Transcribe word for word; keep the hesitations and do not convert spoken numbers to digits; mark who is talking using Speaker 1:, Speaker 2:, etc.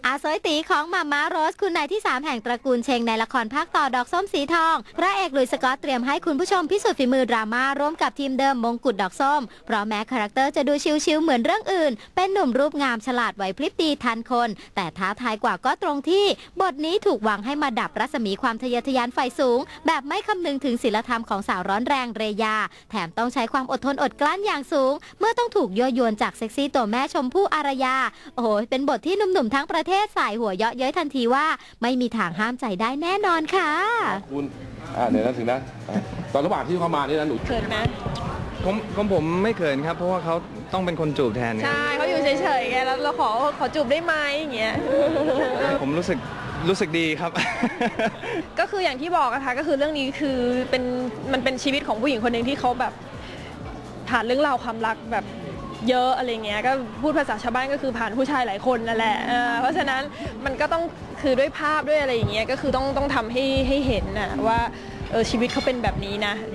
Speaker 1: อาซอยตีของมาม่าโรสคุณนายที่สามแห่งตระกูลเชงในละครภาคต่อดอกส้มสีทองพระเอกหลุยส์สกอตเตรียมให้คุณผู้ชมพิสูจน์ฝีมือดราม่าร่วมกับทีมเดิมมงกุฎดอกส้มเพราะแม้คาแรคเตอร์จะดูชิลๆเหมือนเรื่องอื่นเป็นหนุ่มรูปงามฉลาดไหวพริบดีทันคนแต่ท้าทายกว่าก็ตรงที่บทนี้ถูกวางให้มาดับรัศมีความทะเยอทะยานไฟสูงแบบไม่คำนึงถึงศีลธรรมของสาวร้อนแรงเรยาแถมต้องใช้ความอดทนอดกลั้นอย่างสูงเมื่อต้องถูกยั่วยวนจากเซ็กซี่ตัวแม่ชมพู่อารยาโอ้โหเป็นบทที่หนุ่มๆทั้งประเทศสายหัวเยาะเย้ยทันทีว่าไม่มีทางห้ามใจได้แน่นอนค่ะ
Speaker 2: คุณอ่าเดี๋ยวนะถึงนะตอนระหว่างที่เขามานี่นะหนู
Speaker 3: เขินไหม
Speaker 4: ผมของผมไม่เขินครับเพราะว่าเขาต้องเป็นคนจูบแทน
Speaker 3: ใช่เขาอยู่เฉยๆไงแล้วเราขอขอจูบได้ไหมอย่างเงี้ย
Speaker 4: ผมรู้สึกรู้สึกดีครับ
Speaker 3: ก็คืออย่างที่บอกนะคะก็คือเรื่องนี้คือเป็นมันเป็นชีวิตของผู้หญิงคนหนึ่งที่เขาแบบผ่านเรื่องราวความรักแบบเยอะอะไรเงี้ยก็พูดภาษาชาวบ้านก็คือผ่านผู้ชายหลายคนนั่นแหละเพราะฉะนั้นมันก็ต้องคือด้วยภาพด้วยอะไรอย่างเงี้ยก็คือต้องต้องทำให้ให้เห็นนะว่าเออชีวิตเขาเป็นแบบนี้นะ